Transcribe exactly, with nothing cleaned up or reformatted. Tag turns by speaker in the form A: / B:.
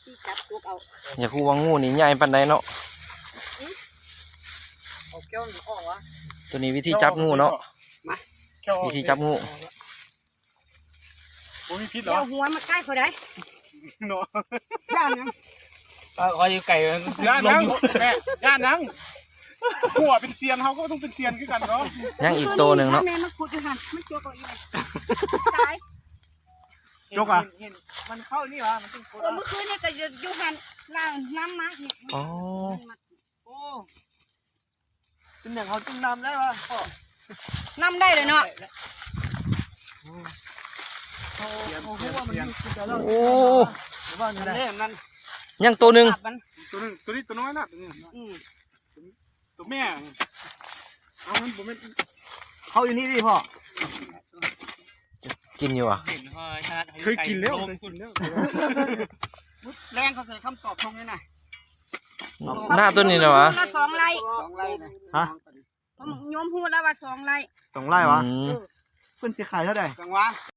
A: ที่จับตัวเอา
B: อย่าคูว่างูนี่ใหญ่ปานใดเนาะ
C: เอาแก้วออกวะ
B: ตัวนี้วิธีจับงูเนาะ วิธีจับงู
C: โอ้มีพิษเหรอ
A: เอาหัวมาใกล้เขาได้
C: เนาะ
A: ย่านยัง
D: คอยไก่
C: ย่านนังแม่ย่านนังหัวเป็นเซียนเขาก็ต้องเป็นเซียนขึ้นกันเนาะ
B: ยังอีกตัวหนึ่งเนาะ
A: แม่มาขุดอยู่หันมันตัวเขาอีกตาย
C: จกอ่ะ
D: มันเข้านี่วะมันต้อง
A: เออเมื่อคืนนี่ก็อยู่หันล่างน้ำมาอีก
B: อ๋อ
D: โอ้เป็นอย่างเขาจุ่มน้ำได้ปะพ่อ
A: น้ำได้เลยเนาะ
D: เขาเขาพูดว่ามันอยู่แต่เรา
B: โอ้
D: ว่านั่นแหละนั่น
B: ยังตัวหนึ่ง
A: มัน
C: ตัวนึงตัวนี้ตัวน้อยนะตัวนี้
A: อืม
C: ตัวแม่เอามันผมเป็น
D: เขาอยู่นี่ดิพ่อ
B: กินอยู่อ่ะ
D: เห็นพ่อชาติ
C: เคยกินแล้วเคยกินแล้ว
A: แรงเขาเคยคำตอบตรงนี้นะ
B: หน้าตัวนี้นะวะ
A: สองไร่
D: สองไร่นะ
C: ฮะ
A: ผมโยมพูดแล้วว่าสองไร่
C: สองไร่วะ
B: อืม
C: เพิ่นสิขายเท่าไหร่
D: จังหวะ